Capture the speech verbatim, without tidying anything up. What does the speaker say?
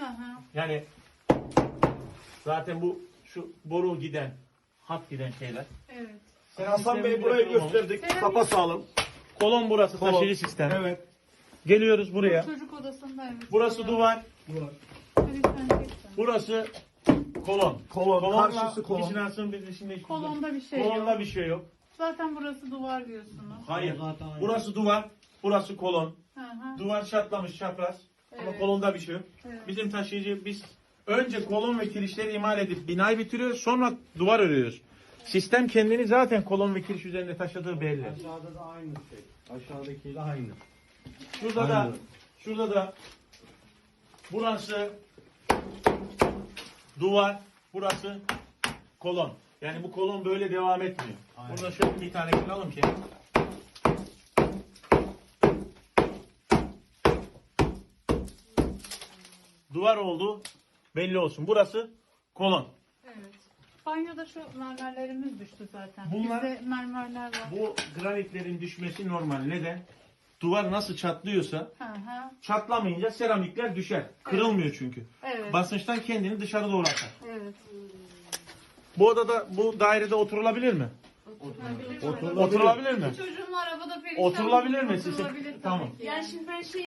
hı. Yani zaten bu şu boru giden, hat giden şeyler. Evet. Hasan Bey burayı gösterdik. Seramik- Kapa sağlam. Kolon burası, Kolon. taşıyıcı sistem. Evet. Geliyoruz buraya. Çocuk odasında evet. Burası duvar, Duvar. burası kolon. Kolon, Kolonla karşısı kolon. işin aslında bir dışında hiçbir Kolonda bir şey Kolonda yok. bir şey yok. Zaten burası duvar diyorsunuz. Hayır. Zaten aynı. Burası duvar, burası kolon. Hı hı. Duvar çatlamış, çapraz. Ama Evet. kolonda bir şey yok. Evet. Bizim taşıyıcı biz önce kolon ve kirişleri imal edip binayı bitiriyoruz, sonra duvar örüyoruz. Sistem kendini zaten kolon ve kiriş üzerinde taşıdığı belli. Aşağıda da aynı şey. Aşağıdakiyle aynı. Şurada da Aynen. şurada da burası duvar, burası kolon. Yani bu kolon böyle devam etmiyor. Aynen. Burada şöyle bir tane kıralım ki. Duvar oldu. Belli olsun. Burası kolon. Evet. Banyoda şu mermerlerimiz düştü zaten. Bunlar- Bizde mermerler var. Bu granitlerin düşmesi normal. Neden? Duvar nasıl çatlıyorsa Hı hı. çatlamayınca seramikler düşer. Kırılmıyor çünkü. Evet. Basınçtan kendini dışarı doğru atar. Evet. Bu odada, bu dairede oturulabilir mi? Oturulabilir. Oturulabilir. Oturulabilir mi? Çocuğum arabada perişan. Oturulabilir mi? Oturulabilir tabii Tamam. ki. Yani şimdi ben şey